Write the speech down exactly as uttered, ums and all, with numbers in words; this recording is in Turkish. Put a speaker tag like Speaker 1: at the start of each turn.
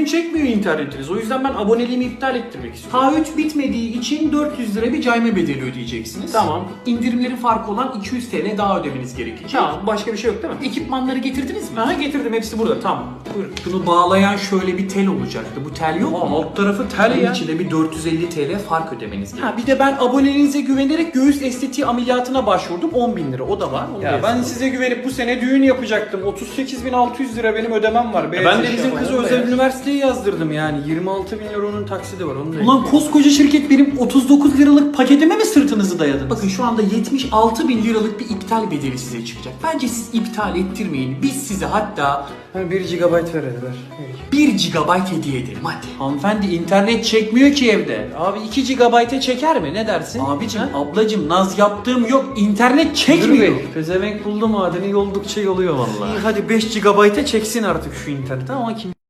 Speaker 1: düzgün çekmiyor internetiniz. O yüzden ben aboneliğimi iptal ettirmek istiyorum.
Speaker 2: K üç bitmediği için dört yüz lira bir cayma bedeli ödeyeceksiniz.
Speaker 1: Tamam.
Speaker 2: İndirimlerin farkı olan iki yüz TL daha ödemeniz gerekecek.
Speaker 1: Tamam, başka bir şey yok değil mi?
Speaker 2: Ekipmanları getirdiniz mi?
Speaker 1: Aha, getirdim, hepsi burada. Tamam. Buyurun.
Speaker 2: Şunu bağlayan şöyle bir tel olacaktı. Bu tel yok
Speaker 1: Aa,
Speaker 2: mu?
Speaker 1: alt tarafı tel
Speaker 2: Bunun
Speaker 1: ya.
Speaker 2: içinde bir dört yüz elli TL fark ödemeniz gerekiyor.
Speaker 1: Ha, bir de ben aboneliğinize güvenerek göğüs estetiği ameliyatına başvurdum. on bin lira. O da var. Onu da
Speaker 3: Ya ben
Speaker 1: yazalım.
Speaker 3: size güvenip bu sene düğün yapacaktım. otuz sekiz bin altı yüz lira benim ödemem var.
Speaker 1: Ya ben de
Speaker 3: Beyaz
Speaker 1: bizim
Speaker 3: eşya
Speaker 1: kızı
Speaker 3: falan.
Speaker 1: özel üniversiteye yazdırdım yani. yirmi altı bin lira onun taksidi var. Onu da
Speaker 2: Ulan koskoca şirket benim otuz dokuz liralık paketime mi sırtınızı dayadınız? Bakın şu anda yetmiş altı bin liralık bir iptal bedeli size çıkacak. Bence siz iptal ettirmeyin. Biz size hatta
Speaker 3: bir gigabayt ver hadi ver.
Speaker 2: bir gigabayt hediye edelim hadi.
Speaker 1: Hanımefendi internet çekmiyor ki evde. Abi iki gigabayta çeker mi? Ne dersin?
Speaker 2: Abicim,
Speaker 1: Ha?
Speaker 2: ablacım naz yaptığım yok. İnternet
Speaker 3: Müdür
Speaker 2: çekmiyor.
Speaker 3: Bey, pezevenk buldu madeni yoldukça yoluyor vallahi.
Speaker 1: İyi hadi beş gigabayta çeksin artık şu internet ama kim